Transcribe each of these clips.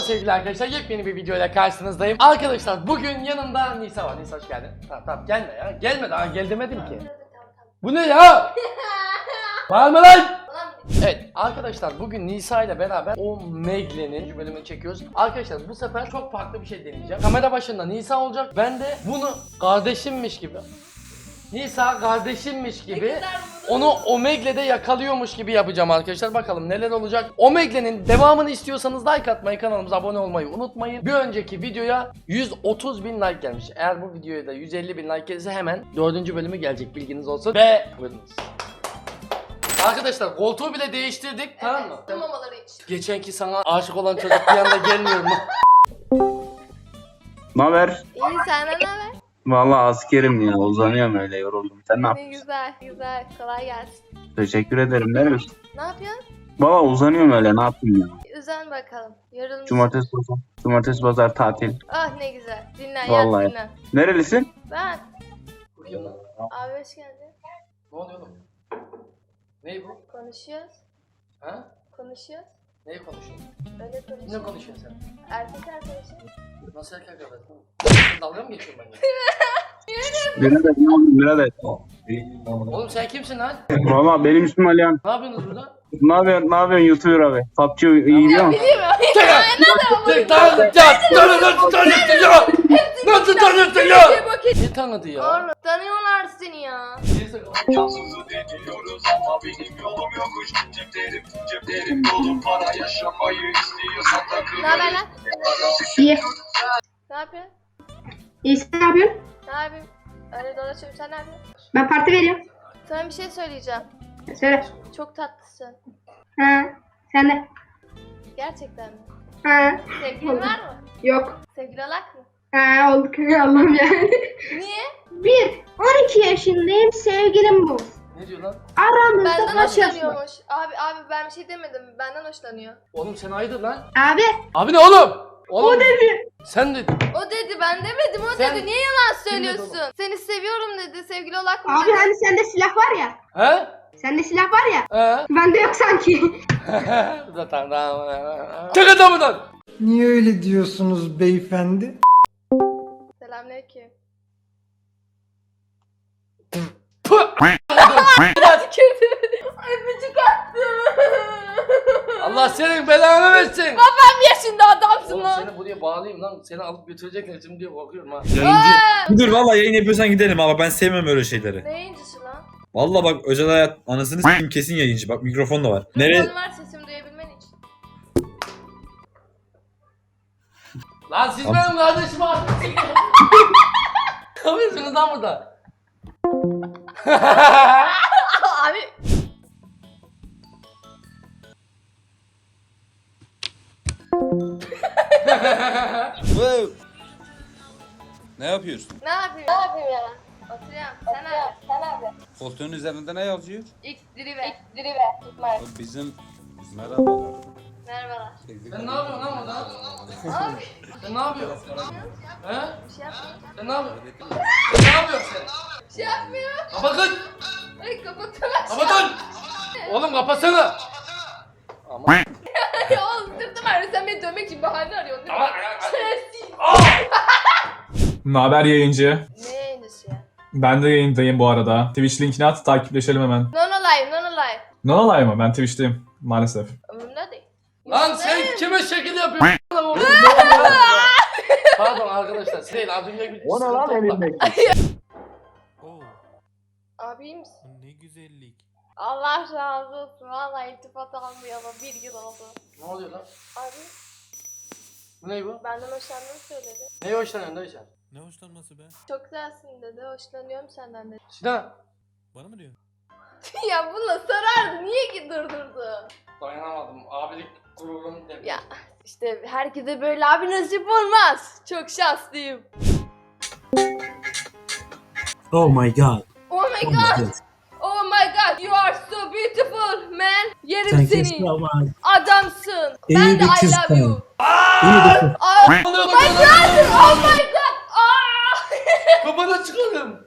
sevgili arkadaşlar, yepyeni bir videoyla karşınızdayım. Arkadaşlar bugün yanımda Nisa var. Nisa hoş geldin. Tamam gelme ya. Gelme, daha gel demedim ki. Bu ne ya? Bağırma lan! Evet arkadaşlar, bugün Nisa ile beraber o Megle'nin bölümünü çekiyoruz. Arkadaşlar bu sefer çok farklı bir şey deneyeceğim. Kamera başında Nisa olacak. Ben de bunu kardeşimmiş gibi, Nisa kardeşimmiş gibi onu Omegle'de yakalıyormuş gibi yapacağım arkadaşlar. Bakalım neler olacak. Omegle'nin devamını istiyorsanız like atmayı, kanalımıza abone olmayı unutmayın. Bir önceki videoya 130.000 like gelmiş. Eğer bu videoya da 150.000 like gelirse hemen 4. bölümü gelecek, bilginiz olsun. Ve buyurunuz. Arkadaşlar koltuğu bile değiştirdik, evet, tamam mı? Mamaları iç. Geçenki sana aşık olan çocuk bir anda gelmiyor mu? Naber? İyi, senden ne haber? Vallahi askerim ya, uzanıyorum öyle, yoruldum. Sen ne Ne yapıyorsun? güzel, güzel. Kolay gelsin. Teşekkür ederim. Neresi? Ne yapıyorsun? Valla uzanıyorum öyle, ne yapayım ya? Üzen bakalım. Yorulmuşsun. Cumartesi pazar tatil. Ah ne güzel. Dinlen, Vallahi. yat dinlen. Nerelisin? Ben. Bakayım lan. Abi hoş geldin. Ne oluyor oğlum? Ney bu? Konuşuyoruz. Ha? Konuşuyoruz. Neyi konuşuyorsun? Öyle Ne konuşuyoruz. konuşuyorsun sen? Erkek arkadaşım. Nasıl erkek arkadaşın? Dalga mı geçiyorsun benimle? Birader ne yapayım birader? Oğlum sen kimsin lan? Valla benim ismim Alihan. Ne yapıyorsunuz burada? Ne yapıyorsun YouTuber abi? PUBG iyi biliyor musun? Biliyor musun? Nasıl tanıttın ya? Ne tanıdı ya? Oğlum tanıyorlar seni ya. Yalnızlığı deniyoruz ama benim yolum yokuş. Ceplerim dolu, para yaşamayı istiyorsan takıl. Ne haber lan? İyi. Ne yapıyorsun? İyi, sen ne yapıyorsun? Ne yapayım? Öyle dolaşıyorum, sen ne yapıyorsun? Ben parti veriyorum. Sana bir şey söyleyeceğim. Söyle. Çok tatlısın. Ha, sen de. Gerçekten mi? Ha, Sevgilin var mı? yok. Sevgili olak mı? Ha, olduk. Allah'ım yani. Niye? 12 yaşındayım, sevgilim bu. Ne diyor lan? Aramızda Benden kaç yaş var? hoşlanıyormuş. Abi ben bir şey demedim. Benden hoşlanıyor. Oğlum sen hayırdır lan? Abi, Abi ne oğlum? Oğlum, o dedi. sen dedin. O dedi, ben demedim. O Sen- dedi. Niye yalan Kim dedi söylüyorsun? Seni seviyorum dedi. Sevgili olak mı Abi dedi. hani sende silah var ya. He? Sende silah var ya. He? Bende yok sanki. Zaten tamam. Çık adamından. Niye öyle diyorsunuz beyefendi? Selamünaleyküm. Öpücük attım. Allah senin belanı versin. Babam yaşında adamsın Oğlum lan. seni buraya bağlayayım lan. Seni alıp götürecekler şimdi diye korkuyorum ha. Yayıncı. Dur valla yayın yapıyorsan gidelim ama ben sevmem öyle şeyleri. Ne yayıncısı lan? Valla bak özel hayat anasını s**eyim kesin yayıncı. Bak mikrofon da var. Nereye? Mikrofon var, sesimi duyabilmen için. Lan siz benim kardeşimi attınız. Ne yapıyorsunuz lan burada? Abi. Ne yapıyorsun? Ne yapayım? Ne yapayım ya? Oturuyorum. Sen ne yapıyorsun? Sen ne yapıyorsun? Koltuğun üzerinde ne yazıyor? X drive. Tutma. O bizim... Merhabalar. Merhabalar. Sen ne yapıyorsun lan burada? Abi. Sen ne yapıyorsun? He? Bir şey yapmıyor. Sen ne yapıyorsun? Sen ne yapıyorsun sen? Bir şey yapmıyor. Kapatın! Ay kapatamam. Kapatın! Oğlum kapatsana! Ama... Ya oğlum sırtım ağrıyor. Sen beni dövmek için bahane arıyorsun değil mi? Şerefsiz. Naber yayıncı? Ne yayıncısı ya? Ben de yayındayım bu arada. Twitch linkini at, takipleşelim hemen. Nono live, nono live. Ne olay mı? Ben Twitch'teyim maalesef. Umurumda değil. Lan sen kime şekil yapıyorsun? Pardon arkadaşlar, siz değil az önce bir O ne lan elindeki? Abi iyi misin? Ne güzellik. Allah razı olsun. Vallahi iltifat almayalım. Bir yıl oldu. Ne oluyor lan? Abi Bu ne bu? benden hoşlandığını söyledi. Neye hoşlanıyorsun dayı sen? Ne hoşlanması be? Çok güzelsin dedi. Hoşlanıyorum senden dedi. Sinan! Bana mı diyor? Ya bununla sarardı. Niye ki durdurdu? Dayanamadım, abilik gururum dedim. Ya işte herkese böyle abi nasip olmaz. Çok şanslıyım. Oh my god. Oh my god. Oh my god. You are so beautiful man. Yerim Thank you seni. so much. Adamsın. İyi Ben de bir I love kızsın. you. İyi bir kız. Oh my Oluyor god. Oh my god. Kafana çıkalım.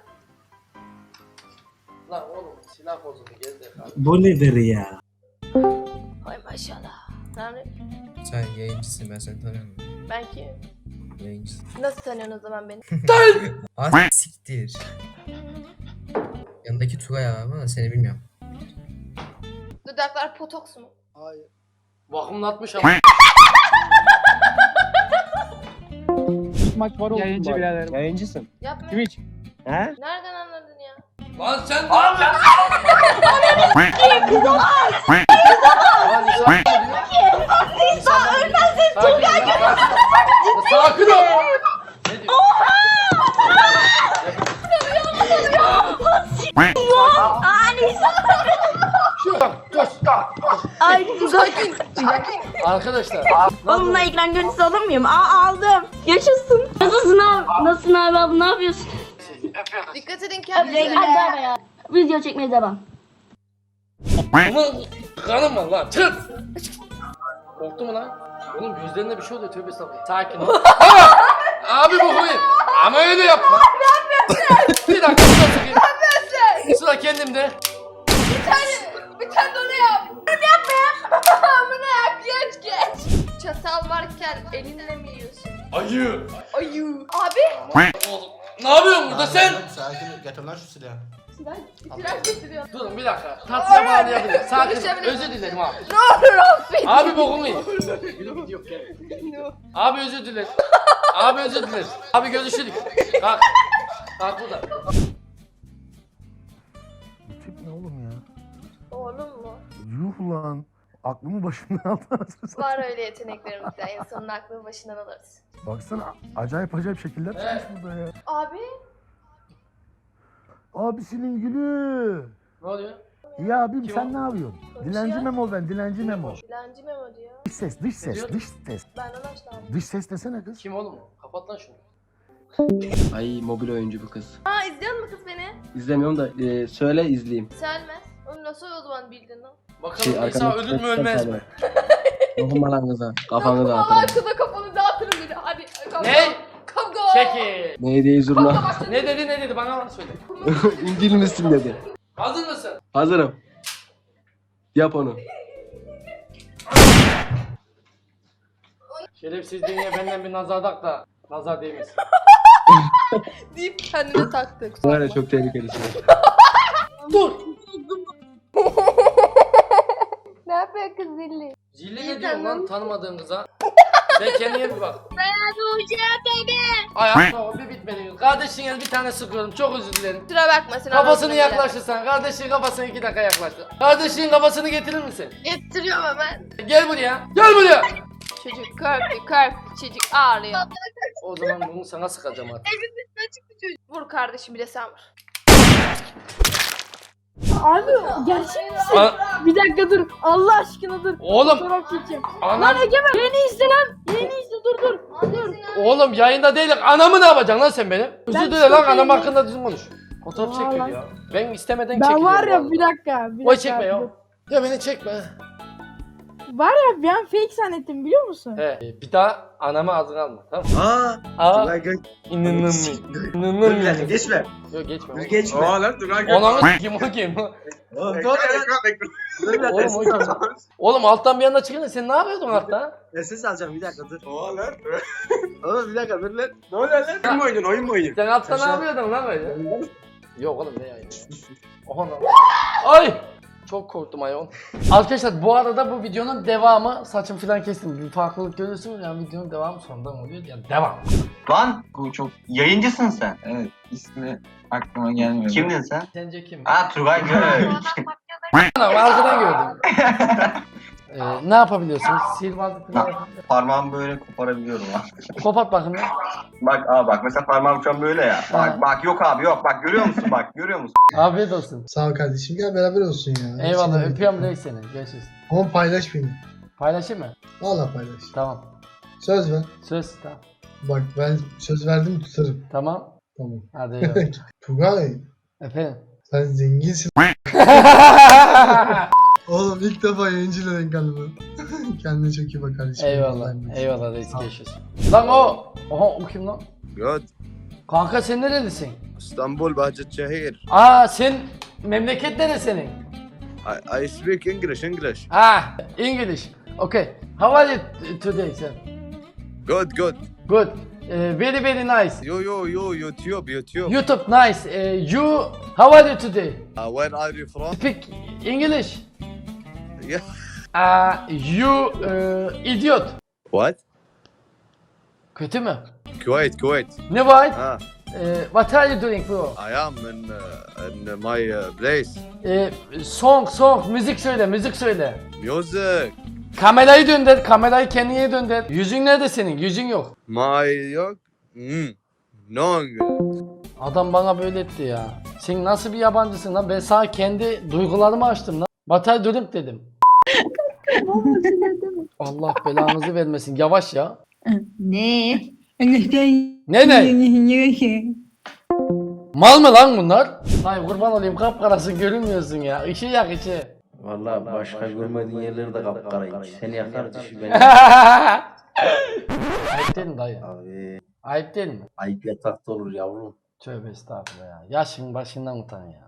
Lan oğlum silah bozuldu gezdi. Bu nedir ya? Ay maşallah. Tanrı. Sen yayıncısın, ben seni tanıyorum. Ben kim? Yayıncısın. Nasıl tanıyorsun o zaman beni? Siktir. Yanındaki Tugay abi ama seni bilmiyorum. Dudaklar potoks mu? Vakumlatmış ama. Maç var yayıncı birader. Yayıncısın. Yapma. Twitch. He? Nereden anladın ya? Lan sen ne yapıyorsun? Lan Nisa ölmezsin Tugay. Sakin ol. Ne diyor? Ay Sakin. Arkadaşlar. Onunla ekran görüntüsü alır mıyım? Aldım. Yaşasın. Nasılsın abi? Nasılsın abi? Ne yapıyorsun? Dikkat edin kendinize. Hadi ya. Video çekmeye devam. Ama kanım var lan. Çık. Korktu mu lan? Oğlum gözlerinde bir şey oluyor. Tövbe estağfurullah. Sakin ol. Abi bu huyun. Ama öyle yapma. Bir dakika sıra sıkayım. Sıra kendimde. Bir tane de onu yap. Yapma ya. Amına yap geç. Çatal varken elinle mi yiyorsun? Ayı. Ayı. Abi. Oğlum. Ne yapıyorsun burada sen? Sakin getir lan şu silahı. İtiraz getiriyor. Durun bir dakika. Tatlıya bağlayabilirim. Sakin ol. Konuşabilirim. Özür dilerim abi. Ne olur affet. Abi bokumu yiyin. Yok gel. Abi özür dilerim. Abi özür dilerim. Abi görüşürüz. Kalk. Kalk burada. Tip ne oğlum ya? Oğlum mu? Yuh lan. Aklımı başımdan aldı. Var öyle yeteneklerimizde. En sonunda aklını başından alırız. Baksana acayip acayip şekiller çıkmış burada ya. Abi. Abisinin gülü. Ne oluyor? İyi abim Kim sen o? ne yapıyorsun? Konuşuyor. Dilenci Memo ben, dilenci Memo. Dilenci Memo diyor. Dış ses, dış ses, diyor? dış ses. Benden hoşlandım. Dış ses desene kız. Kim oğlum o? Kapat lan şunu. Ay mobil oyuncu bu kız. Aa izliyor musun kız beni? İzlemiyorum da söyle izleyeyim. Selmez. Onu nasıl o zaman bildin lan? Bakalım Nisa ölür mü ölmez mi? Dokunma lan kıza. Kafanı Allah dağıtırım. kıza kafanı dağıtırım dedi. Hadi. Kavga. Ne? Kavga. Çekil. Ne diye zurna? Ne dedi bana bak söyle. İngil misin dedi. Hazır mısın? Hazırım. Yap onu. Şerefsizliğine benden bir nazar tak da nazar değmesin. Deyip kendine taktı. Bu ara çok tehlikelisin. Dur. Ne yapıyor kız zilli? Zilli ne diyorsun lan tanımadığın kıza? Sen kendine bir bak. Ay bir bitmedi. Kardeşin el bir tane sıkıyorum. Çok özür dilerim. Kusura bakma sen Kafasını anlatma yaklaştırsan. Kardeşin kafasını 2 dakika yaklaştır. Kardeşin kafasını getirir misin? bile. Getiriyorum hemen. Gel buraya. Gel buraya. Çocuk korktu çocuk ağlıyor. O zaman bunu sana sıkacağım artık. Vur kardeşim bir de sen vur. Abi gerçek misin? Bir dakika dur. Allah aşkına dur. Oğlum. Fotoğraf çekeceğim. Anam. Egemen. Yeni izle lan. Yeni izle dur. Dur. Oğlum yayında değilim. Anamı ne yapacaksın lan sen benim? Özür Ben dile lan çok anam iyiyim. hakkında düzgün konuş. Fotoğraf çekiyor Vallahi. ya. Ben istemeden Ben çekiliyorum. var ya vallahi. bir dakika. Oy çekme ya. Ya beni çekme. Var ya ben fake zannettim biliyor musun? He. Bir daha anamı ağzına alma. Tamam mı? Aa. Aa. İnanılmıyor. Dur bir dakika geçme. Yok geçme. Dur geçme. lan dur lan. Ananı s**eyim o kim? Oğlum dur ya. Oğlum o kim? Oğlum alttan bir anda çıkınca sen ne yapıyordun altta? Ses alacağım bir dakika dur. Oha lan. Oğlum bir dakika dur lan. Ne oluyor lan? Oyun mu oynuyorsun? Sen altta ne Aşağı- yapıyordun lan böyle? Yok oğlum ne yani? Oha lan. Ay! Çok korktum ayol. Arkadaşlar bu arada bu videonun devamı saçım falan kestim. Bir farklılık görüyorsunuz yani videonun devamı sonradan oluyor yani devam. Lan bu çok yayıncısın sen. Evet, ismi aklıma gelmiyor. Kimdin sen? Sence kim? Ha Turgay Gök. Anam arkadan gördüm. Ne yapabiliyorsunuz? Sihirbazlık falan. Parmağımı böyle koparabiliyorum ha. Kopart bakın lan. Bak mesela parmağım şu an böyle ya. Bak yok abi yok bak görüyor musun bak görüyor musun? Afiyet olsun. Sağ ol kardeşim gel beraber olsun ya. Eyvallah öpüyorum reis seni. Görüşürüz. Ama paylaş beni. Paylaşayım mı? Valla paylaş. Tamam. Söz ver. Söz tamam. Bak ben söz verdim tutarım. Tamam. Tamam. Hadi eyvallah. Tugay Efendim. sen zenginsin. Oğlum ilk defa yayıncıyla denk geldim. Kendine çok iyi bak kardeşim. Eyvallah. Allah'ım. Eyvallah reis görüşürüz. Lan o. Oha o kim lan? Good. Kanka sen nerelisin? İstanbul Bahçeşehir. Aa sen memleket nere senin? I speak English. Ah English. Okay. How are you today, sir? Good good. Good. Very very nice. Yo YouTube. YouTube nice. You how are you today? Where are you from? Speak English. Yeah. You idiot. What? Kötü mü? Kuwait. Ne var? Ah, What are you doing bro? I am in my place. Song, müzik söyle, müzik söyle. Music. Kamerayı döndür, kamerayı kendine döndür. Yüzün nerede senin? Yüzün yok. My yok. No. Adam bana böyle etti ya. Sen nasıl bir yabancısın lan? Ben sana kendi duygularımı açtım lan. Batay dönüp dedim. Allah belanızı vermesin. Yavaş ya. Ne? Ne? Mal mı lan bunlar? Ay kurban olayım kapkarasın görünmüyorsun ya. Işığı yak ışığı. Vallahi başka görmediğin yerleri de kapkaraymış. Seni yakar dişi beni. Ayıp değil mi dayı? Abi Ayıp değil mi? ayıp yatakta olur yavrum. Tövbe estağfurullah ya. Yaşın başından utan ya.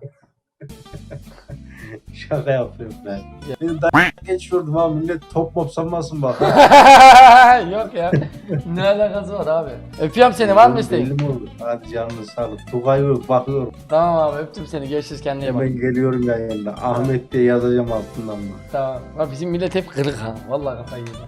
Şaka yapıyorum ben. Bir daha geçiyordum abi millet top mop sanmasın bak. Yok ya. Ne alakası var abi? Öpüyorum seni var mı isteğin? Belli mi olur? Hadi canını sağlık. Tugay yok bakıyorum. Tamam abi öptüm seni. Görüşürüz kendine iyi bak. Ben geliyorum yayında. Ahmet diye yazacağım altından mı? Tamam. Bak bizim millet hep kırık ha. Vallahi kafayı yedi.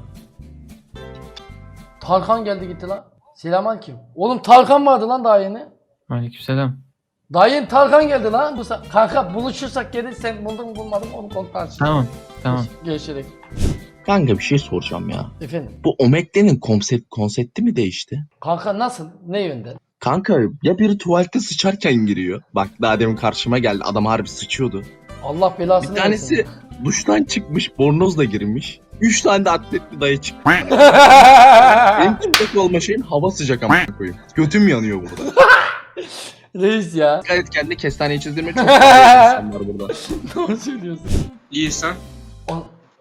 Tarkan geldi gitti lan. Selamünaleyküm. Oğlum Tarkan vardı lan daha yeni. Aleykümselam. Daha yeni Tarkan geldi lan. Kanka buluşursak geri sen buldun mu bulmadın mı onu konuşalım. Tamam. Görüşürüz. Kanka bir şey soracağım ya. Efendim. Bu Omegle'nin konsepti mi değişti? Kanka nasıl? Ne yönde? Kanka ya biri tuvalete sıçarken giriyor. Bak daha demin karşıma geldi. Adam harbi sıçıyordu. Allah belasını Bir tanesi versin. duştan çıkmış, bornozla girmiş. 3 tane de atletli dayı çıktı. Benim çıplak olma şeyim hava sıcak ama koyayım. Götüm yanıyor burada. Reis ya. Dikkat et kendine kestaneyi çizdirme çok fazla insan var burada. Doğru söylüyorsun. İyi sen? O-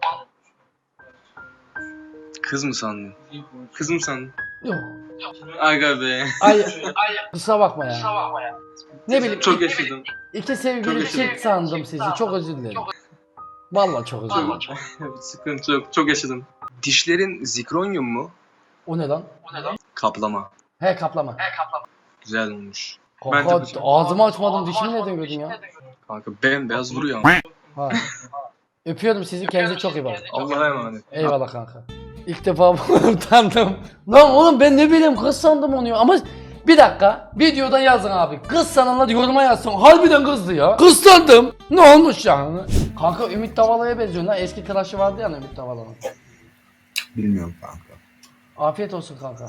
Kız mı sandın? Kız mı sandın? Yok. Aga be. Ay kusura bakma ya. Ne bileyim. Çok yaşadım. İki sevgili Çok yaşadım. çift sandım sizi. Çok özür dilerim. Vallahi çok özür dilerim. Sıkıntı yok. Çok yaşadım. Dişlerin zikronyum mu? O ne lan? Kaplama. He kaplama. Güzel olmuş. Kanka Bence ağzımı açmadım dişimi neden gördün ya? Kanka bembeyaz duruyor ama. Ha. Öpüyorum sizi kendinize çok iyi bakın. Allah'a emanet. Eyvallah kanka. İlk defa utandım. Lan oğlum ben ne bileyim kız sandım onu ya. Ama bir dakika videoda yazın abi. Kız sananlar yoruma yazsın. Harbiden kızdı ya. Kız sandım. Ne olmuş yani? Kanka Ümit Davala'ya benziyor lan. Eski tıraşı vardı ya Ümit Davala'nın. Bilmiyorum kanka. Afiyet olsun kanka.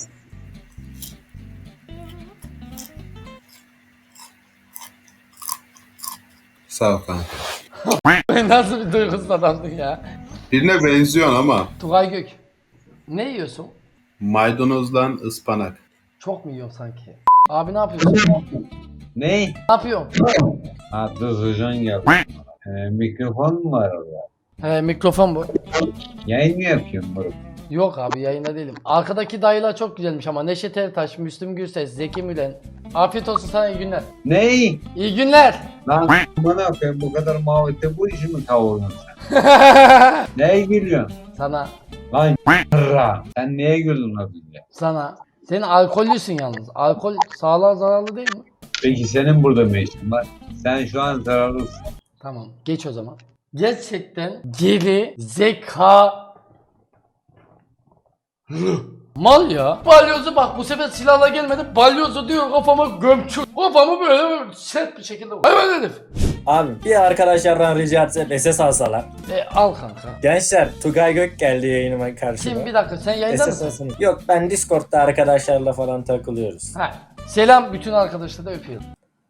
Sağ ol kanka. Nasıl bir duygusuz adamdın ya. Birine benziyorsun ama. Tugay Gök. Ne yiyorsun? Maydanozla ıspanak. Çok mu yiyorsun sanki? Abi ne yapıyorsun? Ne? Ne yapıyorsun? Ha Hocam geldi. Mikrofon mu var orada? He mikrofon bu. Yayın mı yapıyorsun moruk? Yok abi yayında değilim. Arkadaki dayılar çok güzelmiş ama Neşet Ertaş, Müslüm Gürses, Zeki Müren. Afiyet olsun sana iyi günler. Ne? İyi günler. Lan bana koyayım bu kadar muhabbette bu işi mi kavurdun sen? Neye gülüyorsun? Sana, Lan sen neye güldün az önce? sana. Sen alkollüsün yalnız. Alkol sağlığa zararlı değil mi? Peki senin burada ne işin var? Sen şu an zararlısın. Tamam geç o zaman. Gerçekten geri zeka mal ya. Balyozu bak bu sefer silahla gelmedi. Balyozu diyor kafama gömçür. Kafamı böyle sert bir şekilde vur. Hemen herif. Abi bir arkadaşlardan rica etse SS alsalar. Al kanka. Gençler Tugay Gök geldi yayınıma karşıma. Kim bir dakika sen yayında SS mısın? alsın. Yok ben Discord'da arkadaşlarla falan takılıyoruz. Ha. Selam bütün arkadaşlara da öpüyorum.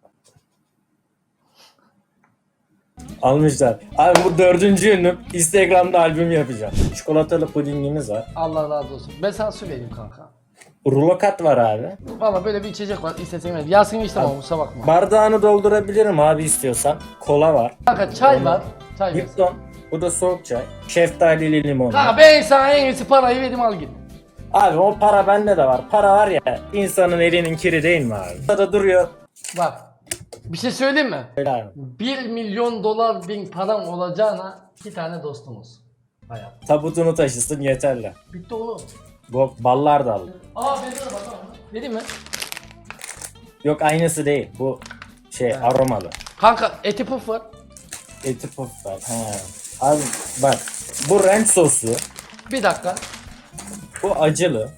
Almışlar. Abi bu 4. ünlüm Instagram'da albüm yapacağım. Çikolatalı pudingimiz var. Allah razı olsun. Ben sana su vereyim kanka. Rulokat var abi. Valla böyle bir içecek var. İstesen ver. Yasin işte ama kusura bakma. Bardağını doldurabilirim abi istiyorsan. Kola var. Kanka çay var. Çay ver. Lipton. Bu da soğuk çay. Şeftalili limon. Kanka ben sana en iyisi parayı vereyim al git. Abi o para bende de var. Para var ya insanın elinin kiri değil mi abi? Burada duruyor. Bak. Bir şey söyleyeyim mi? Öyle abi. 1 milyon dolar bin param olacağına 2 tane dostumuz. Hayat. Tabutunu taşısın yeterli. Bitti oğlum. Ballar da al. Aa ben de bak. Vereyim mi? Yok aynısı değil. Bu aromalı. Kanka eti puf var. Eti puf var. He. Abi bak. Bu ranch soslu. Bir dakika. Bu acılı.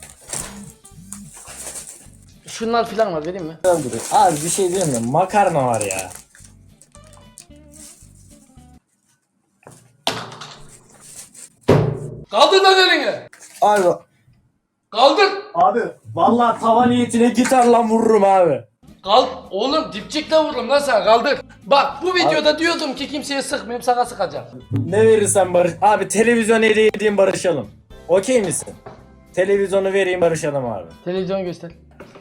Şunlar filan var vereyim mi? Abi bir şey diyeyim mi? Makarna var ya. Kaldır lan elini. Abi. Kaldır. Abi. Vallahi tava niyetine gitarla vururum abi. Oğlum dipçikle vururum lan sen kaldır. Bak bu videoda diyordum ki kimseye sıkmayayım sana sıkacağım. Ne verirsen barış. Abi televizyon hediye edeyim barışalım. Okey misin? Televizyonu vereyim barışalım abi. Televizyonu göster.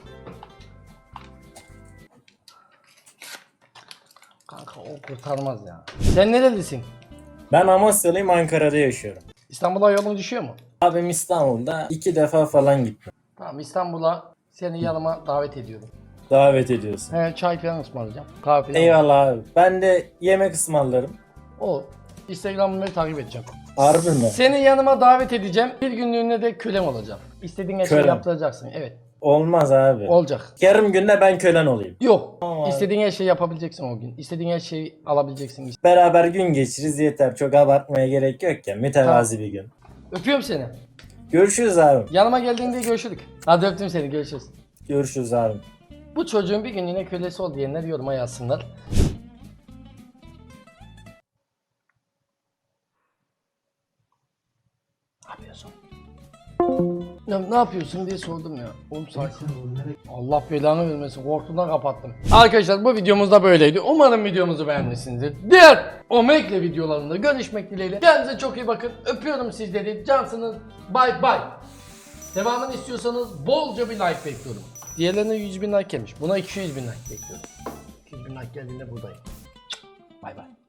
Kanka o kurtarmaz ya. Sen nerelisin? Ben Amasyalıyım, Ankara'da yaşıyorum. İstanbul'a yolun düşüyor mu? Abim İstanbul'da 2 defa falan gittim. Tamam İstanbul'a seni yanıma davet ediyorum. Davet ediyorsun. He çay falan ısmarlayacağım. Kahve falan. Eyvallah abi. Ben de yemek ısmarlarım. O. Instagram'ımı takip edeceğim. Harbi mi? Seni yanıma davet edeceğim. Bir günlüğüne de kölem olacağım. İstediğin her şeyi Kölem. yaptıracaksın. Evet. Olmaz abi. Olacak. Yarım günde ben kölen olayım. Yok. Tamam. İstediğin her şeyi yapabileceksin o gün. İstediğin her şeyi alabileceksin. Beraber gün geçiririz yeter. Çok abartmaya gerek yok ya. Mütevazi bir gün. Öpüyorum seni. Görüşürüz abi. Yanıma geldiğinde görüşürük. Hadi öptüm seni. Görüşürüz. Görüşürüz abi. Bu çocuğun bir günlüğüne kölesi ol diyenler yoruma yazsınlar. Ne yapıyorsun? Ne yapıyorsun diye sordum ya. Oğlum sakin. Allah belanı vermesin. Korkudan kapattım. Arkadaşlar bu videomuz da böyleydi. Umarım videomuzu beğenmişsinizdir. Diğer Omegle videolarında görüşmek dileğiyle. Kendinize çok iyi bakın. Öpüyorum sizleri. Cansınız. Bye bye. Devamını istiyorsanız bolca bir like bekliyorum. Diğerlerine 100.000 like gelmiş. Buna 200.000 like bekliyorum. 200.000 like geldiğinde buradayım. Bay bay.